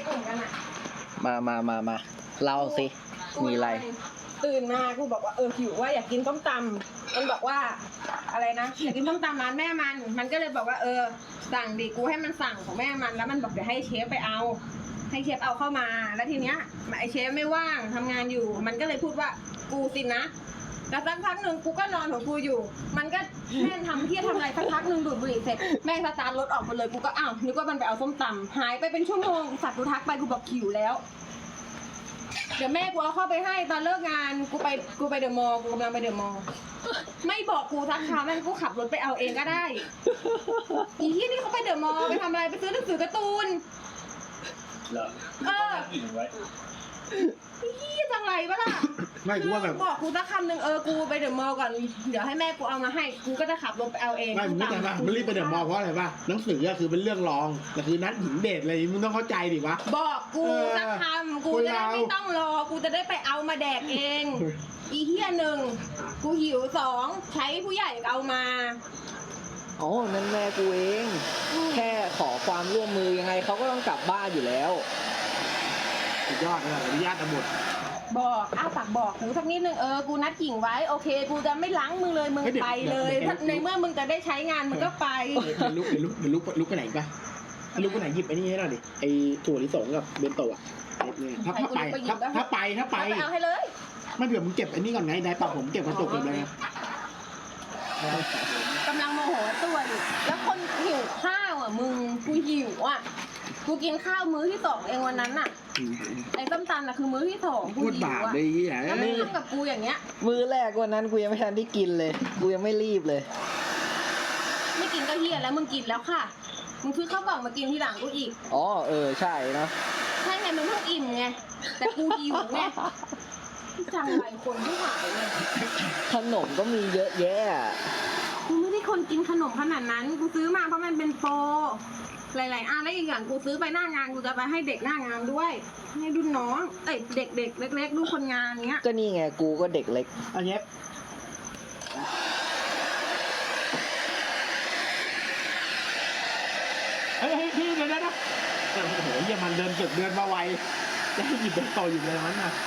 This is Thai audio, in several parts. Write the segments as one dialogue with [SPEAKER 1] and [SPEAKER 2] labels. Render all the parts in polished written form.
[SPEAKER 1] เหมือนกันอ่ะ
[SPEAKER 2] มาเล่าสิมีอะไร
[SPEAKER 1] ตื่นมากูบอกว่าหิวว่าอยากกินต้มตำมันบอกว่าอะไรนะอยากกินต้มตำร้านแม่มันก็เลยบอกว่าสั่งดิกูให้มันสั่งของแม่มันแล้วมันบอกเดี๋ยวให้เชฟไปเอาให้เชฟเอาเข้ามาแล้วทีเนี้ยไอเชฟไม่ว่างทำงานอยู่มันก็เลยพูดว่ากูสินะแล้วสักพักหนึ่งกูก็นอนของกูอยู่มันก็แม่ทำเที่ยทำอะไรสักพักหนึ่งดูดบุหรี่เสร็จแม่สตาร์ทรถออกมาเลยกูก็อ้าวนึกว่ามันไปเอาส้มตำหายไปเป็นชั่วโมงสัตว์กูทักไปกูบอกหิวแล้วเดี๋ยวแม่กูเอาเข้าไปให้ตอนเลิกงานกูไปเดอะมอลล์กูกำลังไปเดอะมอลล์ไม่บอกกูสักคำแม่กูขับรถไปเอาเองก็ได้อีที่นี่เขาไปเดอะมอลล์ไปทำอะไรไปซื้อหนังสือการ์ตูน
[SPEAKER 3] เหรอกิ่งไว้
[SPEAKER 1] พี่จังไรวะล่ะ
[SPEAKER 4] ไม่กูว่าแบบ
[SPEAKER 1] บอกกูสักคำหนึ่งกูไปเดอะมอลล์ก่อนเดี๋ยวให้แม่กูเอามาให้กูก็จะขับรถไปเอาเอง
[SPEAKER 4] ไม่มึงไม่แต่มันรีบไปเดอะมอลล์เพราะอะไรป่ะหนังสือก็คือเป็นเรื่องรองแต่คือนัดหญิงเดทอะไรมึงต้องเข้าใจดิวะ
[SPEAKER 1] บอกกูสักคำกูจะได้ไม่ต้องรอกูจะได้ไปเอามาแดกเองอีเหี้ยหนึ่งกูหิวสองใช้ผู้ใหญ่เอามา
[SPEAKER 2] อ๋อนั่นแม่กูเองแค่ขอความร่วมมือยังไงเขาก็ต้องกลับบ้านอยู่แล้ว
[SPEAKER 4] สุดยอดเลยอนุญาตทั้งหมด
[SPEAKER 1] บอกฝากบอกกูสักนิดนึงกูนัดกิ่งไว้โอเคกูจะไม่ล้างมึงเลยมึงไปเลยในเมื่อมึงจะได้ใช้งานมึงก็ไป
[SPEAKER 4] ลุกไปไหนป่ะลุกไปไหนหยิบไอ้นี่ให้หน่อยดิไอ้ถั่วลิสงกับเบนโตะถ้าไป
[SPEAKER 1] เอาให้เลย
[SPEAKER 4] ไม่เผื่อมึงเก็บไอ้นี่ก่อนไงได้ปะผมเก็บกระจกเลย
[SPEAKER 1] กำลังโมโหตัวอยู่แล้วคนหิวข้าวมึงกูหิวกูกินข้าวมื้อที่2เองวันนั้นไอ้ส้มตำคือมื้อที่2กูหิวแล้วมึงทำกับกูอย่างเงี้ย
[SPEAKER 2] มื้อแรกวันนั้นกูยังไม่ทันได้กินเลยกูยังไม่รีบเลย
[SPEAKER 1] ไม่กินก็เฮียแล้วมึงกินแล้วค่ะมึงซื้อข้าวกล่องมากินทีหลังกูอีก
[SPEAKER 2] อ๋อใช่เนาะ
[SPEAKER 1] ใช่ไงมึงเพิ่งอิ่มไงแต่กูหิวไงจังไรคนที่หายเลย
[SPEAKER 2] ขนมก็มีเยอะแยะ
[SPEAKER 1] กูไม่ได้คนกินขนมขนาดนั้นกูซื้อมาเพราะมันเป็นโปรหลายๆแล้วอีกอย่างกูซื้อไปหน้างานกูจะไปให้เด็กหน้างานด้วยให้รุ่นน้องเด็กเล็กๆรุ่นคนงานเงี้ย
[SPEAKER 2] ก็นี่ไงกูก็เด็กเล็ก
[SPEAKER 4] อันนี้เฮ้ยพี่เดี๋ยวนะโอ้โหยังมันเดินมาไวจะให้หยิบเป็นโตอยู่เลยมันนะ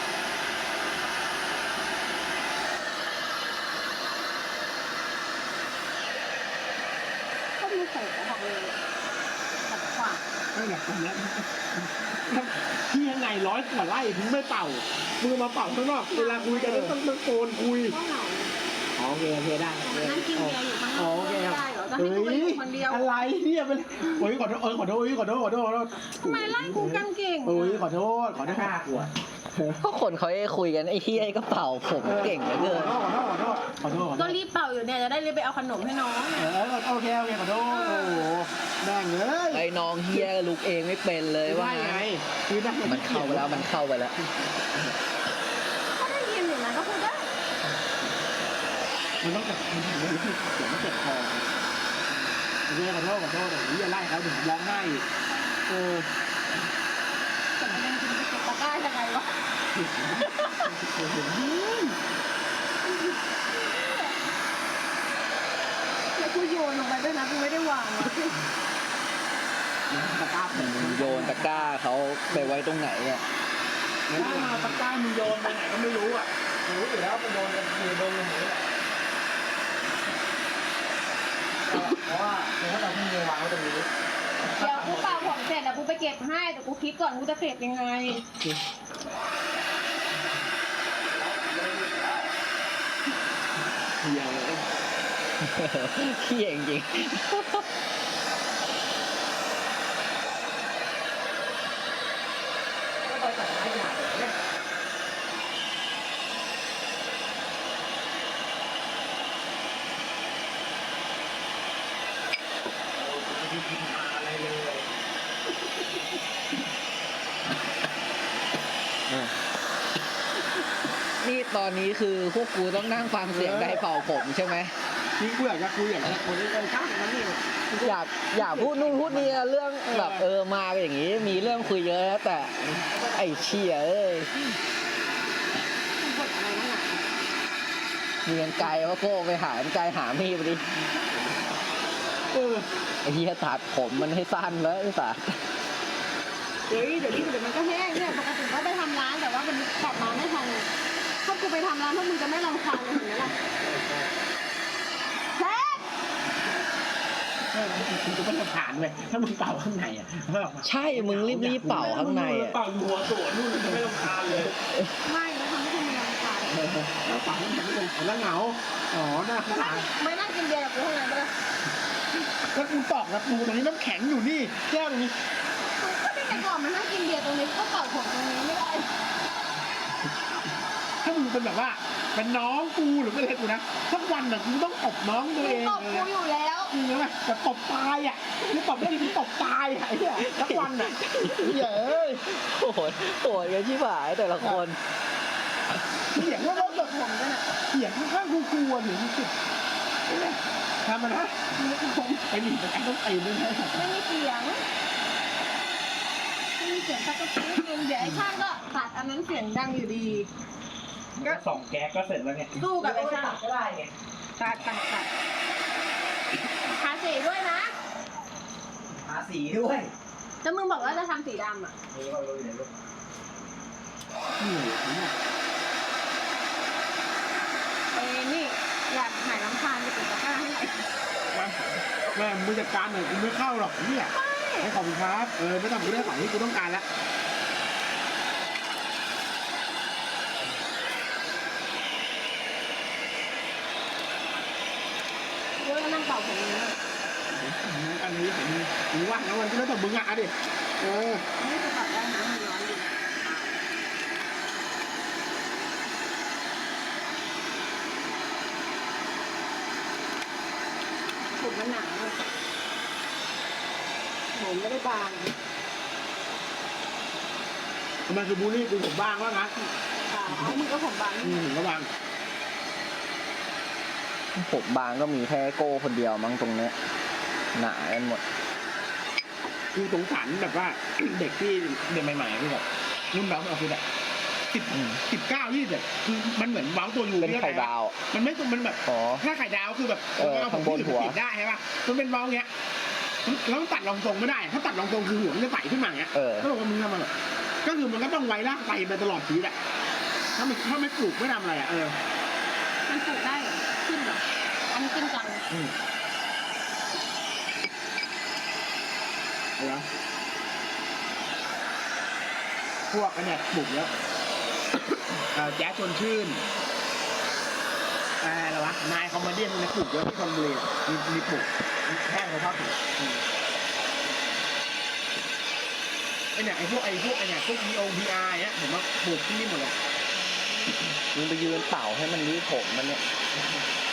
[SPEAKER 1] ก็มีใส่กระบอกเลยขัดขวาง
[SPEAKER 4] ไม่หนักตรงนี้พี่ยังไง100 กว่าไร่มึงไม่เป่ามือมาเป่าข้างนอกเวลาคุยกันต้องตะโกนคุยโอเคได้
[SPEAKER 1] นั่งกินเบียร์อยู่ข้างนอกไม่ได้เหรอจะให้กูไปคนเดียว
[SPEAKER 4] อะไรเนี่ยเป็นโอ้ยขอโทษ
[SPEAKER 1] ทำไมไล่กูกันเก่ง
[SPEAKER 4] ขอโทษกลัว
[SPEAKER 2] ก็คนเขาคุยกันไอ้ที่ไอ้กระเป๋าผมเก่งเหลือเกิน
[SPEAKER 4] ขอโทษ
[SPEAKER 1] ก็รีบเป่าอยู่เนี่ยจะได้รีบไปเอาขนมให้น้อง
[SPEAKER 4] โอเคขอโทษโอ้โหแดงเลย
[SPEAKER 2] ไอ้น้องเฮียลุกเองไม่เป็นเลยว่า
[SPEAKER 4] ไง
[SPEAKER 2] มันเข้าไปแล้ว
[SPEAKER 1] ก็ได้ยินอยู่นะก็พูดได้
[SPEAKER 4] มันต้องจับมันถึงจะรู้สึกเสียงมันเจ็บคอขอโทษอย่างนี้อย่าไล่เขาถึงร้องไห้
[SPEAKER 1] แต่มันยังกินไปเก็บตะกร้ายังไงวะแล้วกูโยนลงไปด้วยนะกูไม่ได้วาง
[SPEAKER 4] ตะกร้า
[SPEAKER 2] โยนตะกร้าเขาไปไว้ตรงไหนเนี่ย
[SPEAKER 4] ตะกร้ามึงโยนไปไหนก็ไม่รู้รู้อยู่แล้วมันโยนกันคือโดนลงนี้เพราะว่าเราเพิ่งวางไว้ตรงนี้
[SPEAKER 1] เดี๋ยวกูเป่าผมเสร็จแล้วกูไปเก็บให้แต่กูคิดก่อนกูจะเก็บยังไง
[SPEAKER 4] เฮีย
[SPEAKER 2] จริงนี่ตอนนี้คือพวกกูต้องนั่งฟังเสียงไดเป่าผมใช่ไหม
[SPEAKER 4] นี่กูอยากจะคุยอย่างคนที่เป็นช่างนั่นนี่
[SPEAKER 2] อยากพูดนู่นพูดนี่เรื่องแบบมาอย่างนี้มีเรื่องคุยเยอะแล้วแต่ไอ้เชี่ยมีกันไกลว่าโก้ไปหากันไกลหามีดไปดิไอ้เหี้ยตัดผมมันให้สั้นแล้วไอ้สัส
[SPEAKER 1] เดี๋ยวมันก็แห้งเนี่ยปกติก็ไปทำร้านแต่ว่าวันนี้กลับมาไม่ทันเลยถ้ากูไปทำร้านพวกมึงจะไม่รำคาญเลยเห็นไหมล่ะเฮ้ย
[SPEAKER 4] มึงจะไม่ทำผ่านเลยถ้ามึงเป่าข้างในอ่ะ
[SPEAKER 2] ใช่มึงรีบๆเป่าข้างในอ่ะ
[SPEAKER 3] เป่าอยู่หัวโสดนู่นจะไม่รำคาญเลย
[SPEAKER 1] ไม่แล้วทำให้คุณมีรำคาญ
[SPEAKER 4] แล้วเป่าข้างในไม่เป็นแล้วเหงาอ๋อหน้าข้างหลัง
[SPEAKER 1] ไม่นั่งกินเบียร์กับกูเท่านั้นก็ได้
[SPEAKER 4] แล้วกูตอกนะกูตรงนี้น้ำแข็งอยู่นี่แก้วนี้
[SPEAKER 1] ก็ได้แต่ก่อนมานั่งกินเบียร์ตรงนี้ก็เป่าผมตรงนี้ไม่ได้
[SPEAKER 4] ถ้ามึงเป็นแบบว่าเป็นน้องกูหรือเป็นอะไรกูนะสักวันน่ะกูต้องตบน้องตัวเอง
[SPEAKER 1] ตบกูอยู่แล้ว
[SPEAKER 4] จริงไหมแต่ตบตายอ่ะนี่ตบได้ที่ตบตายอ่ะไอ้เนี่ยสักวันอ่ะเย้ย
[SPEAKER 2] โหดกันชิบหายแต่ละคน
[SPEAKER 4] เสียงว่าเราแบบ
[SPEAKER 1] ผมด้วยน่ะ
[SPEAKER 4] เสียงข้างๆกูกลัวหรือมันสุดทำมันนะไปหนีไปกันต้องตีด้วยนะ
[SPEAKER 1] ไม่มีเสียงสักกระปุกนึงเดี๋ยวไอ้ช่างก็ตัดอันนั้นเสียงดังอยู่ดี
[SPEAKER 3] ก็สองแก๊สก็เสร็จแล้วไง
[SPEAKER 1] สู้กับไอ้ช่าง
[SPEAKER 3] ก็ได้ไง
[SPEAKER 1] ตัดทาสีด้วยนะ
[SPEAKER 3] หาสีด้วย
[SPEAKER 1] แล้วมึงบอกว่าจะทำสีดำอ่ะ
[SPEAKER 3] นี่เราอยู่ในรถ
[SPEAKER 1] นี่อยากหายรำคาญไปติดตะกร้าให้หน่อย
[SPEAKER 4] แม่มึงจัดการหน่อยกูไม่เข้าหรอกเนี่ยให้ขอบคุณครับไม่ต้องกูได้ของที่กูต้องการแล้ว
[SPEAKER 1] เดี๋ยวนั่งเป่าผมเลยนะ
[SPEAKER 4] อันนี้เห็นมึงว่างแล้วมันก็แล้วแต่มึงอ่ะดิ
[SPEAKER 1] ไม่จะตัดได้นะมันร้อนอยู่ผมมันหนาผมไม่ได้บาง
[SPEAKER 4] มันคือบูลลี่กูผมบ้างว่างั้น
[SPEAKER 1] เอามึงก็ผมบาง
[SPEAKER 4] ผมก็บ้าง
[SPEAKER 2] ผมบางก็มีแค่โก้คนเดียวมั้งตรงเนี้ยหนากันหมด
[SPEAKER 4] กูสงสารแบบว่า เด็กที่เด็กใหม่ๆที่แบบรุ่นน้องเราคือแบบ19-20คือมันเหมือนเว้าตัวอยู่
[SPEAKER 2] เป็นไข่ดาว
[SPEAKER 4] มันไม่มันแบบ
[SPEAKER 2] อ๋อ
[SPEAKER 4] ถ้าไข่ดาวคือแบบ
[SPEAKER 2] ข้างบนหัว
[SPEAKER 4] ติดได้ใช่ป่ะมันเป็นเว้าเงี้ยแล้วตัดรองทรงไม่ได้ถ้าตัดรองทรงคือหัวมันจะใสขึ้นมาเงี้ยก็บอกว่ามึงทำมันแบบก็คือมันก็ต้องไว้ลากไปตลอดชีวิตอะถ้าไม่ปลูกไม่ทำอะไรอะ
[SPEAKER 1] มันปลูกได้เหรอขึ้นเหรออันนี้ขึ้นจัง
[SPEAKER 4] เหรอพวกอันเนี้ยปลูกแล้วแจ๊สชวนชื่นอะไรวะนายคอมเมดี้มันปลูกเยอะที่ชลบุรีมีปลูกแห้งเขาชอบปลูกไอเนี่ยไอพวกไอเนี่ยพวก VOPR เนี้ยผมว่าปลูกที่นี่หมดเลย
[SPEAKER 2] มึงไปยืนเป่าให้มันรีผมมันเนี่ย